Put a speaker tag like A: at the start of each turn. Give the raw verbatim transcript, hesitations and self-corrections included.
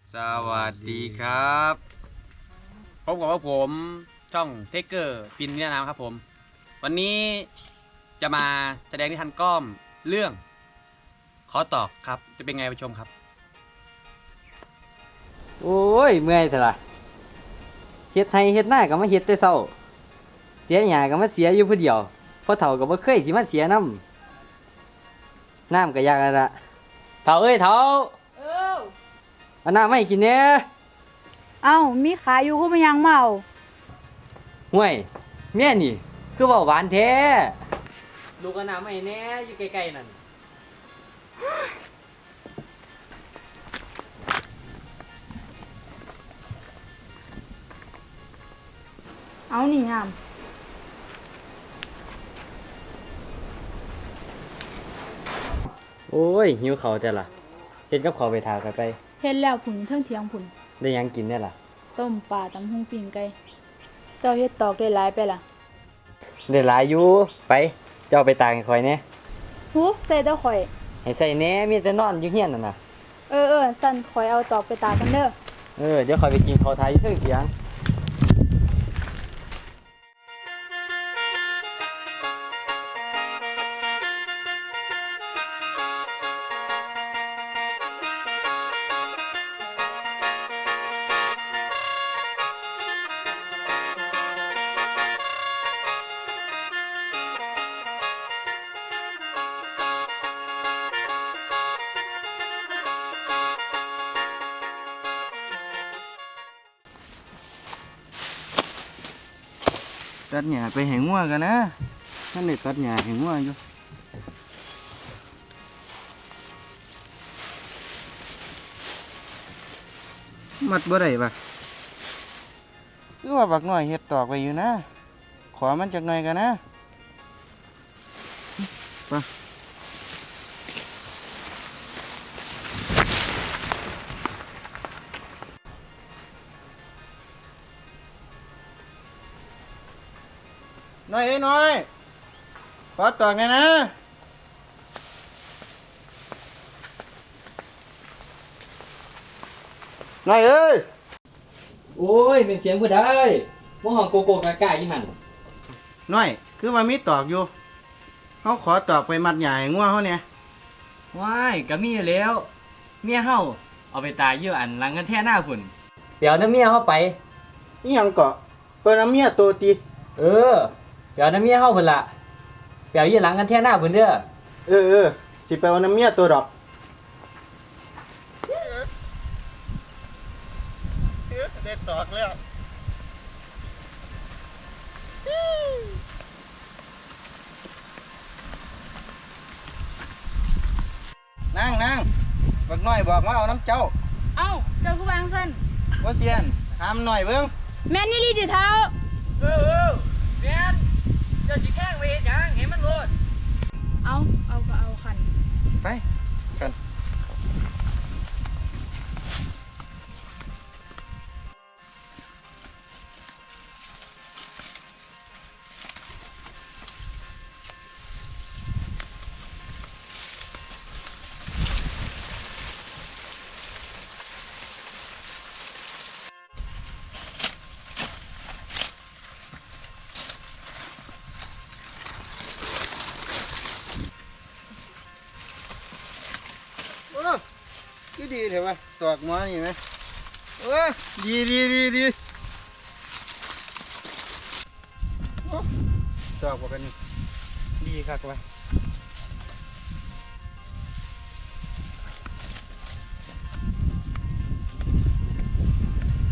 A: สวัสดีครับพบกับว่าผมช่องเทเกอร์ปินเนี่ยนะครับผมวันนี้จะมาแสดงนิทานก้อมเรื่องขอตอบครับจะเป็นไงไปชมครับ
B: โอ้ยเมื่อยเถอะล่ะเฮ็ดไห้เฮ็ดหน้าก็มาเฮ็ดแต่เช้าเสียหญ้าก็มาเสียอยู่ผู้เดียวพอเฒ่าก็บ่เคยสิมาเสียน้ำน้ำก็ยากแล้วล่ะเฒ่าเอ้ยเฒ่า
C: เออ
B: เอาน้ำมาให้กินแหน่
C: เอ้ามีขายอยู่คือมันยังเมา
B: ห่วยแม่นี่คือเว้าหวานแท้ลูกเอาน้ำมาให้แหน่อยู่ใกล้ๆนั่น
C: เอานี่ยาม
B: โอ้ยหิวข้าวแต่ล่ะเฮ็ดกับข้าวไปทากันไป
C: เฮ็ดแล้วผุนเทิงเถียงผุน
B: ได้หยังกินแน่ล่ะ
C: ต้มปลาตำหุ่งปิ้งไก่เจ้าเฮ็ดตอกได้หลายไปล่ะ
B: ได้หลายอยู่ไปเจ้าไปตากให้ข่อยแหน่
C: หูใส่เต้าข่อย
B: ให้ใส่แหน่มีแต่นอนอยู่เฮียนนั่นน่ะ
C: เออเออสั่นข่อยเอาตอกไปตากกันเด้อ
B: เออเดี๋ยวข่อยไปกินข้าวทายอยู่เทิงเถียง
D: ตัดหญ้าไปให้งัวกันนะนั่นได้ตัดหญ้าให้งัวอยู่มัดบ่ได้ปะคือว่าบักน้อยเฮ็ดตอกไว้อยู่นะขอมันจักหน่อยกันนะไปน้อยเอ้ยน้อยขอตอกหน่อยนะน้อยเอ้ย
B: โอ้ยเป็นเสียงผู้ใดบ่ห้องโกโก้กะกะอยู่หั่น
D: น้อยคือว่ามีตอกอยู่เขาขอตอกไปมัดหญ้าให้งัวเขาเนี่ย
B: ว้ายก็มีอยู่แล้วเมียเฮาเอาไปตายอยู่อันหลังกันแท้หน้าพุ่นเดี๋ยวน้ำเมียเฮาไป
D: นี่ยังเกาะเปิ้นน้ำเมียโตตี
B: เออเดี๋ยวน้ำเมียเฮาพุ่นล่ะเดี๋ยวอยู่หลังกันแท้หน้าพุ่นเด้อ
D: เออเออสิไปเอาน้ำเมียตัวดอกได้ตอกแล้วนั่งนั่งบักน้อยบอกว่าเอาน้ำเจ้า
C: เอ้าเจ้าผู้วางซั่น
D: ว่าเซียนถามหน่อยเบิ่ง
C: แม่นนี่ลีติเท้า
B: เออๆแม่นเจ้าสิแกล้งไว้เฮ็ดหยังให้มันโลด
C: เอาเอาก็เอาคัน
D: ไปกันดีดีเถอะวะตอกมานี่ไหมเออดีดีดีดีตอกว่ากันนี่ดีคักวะ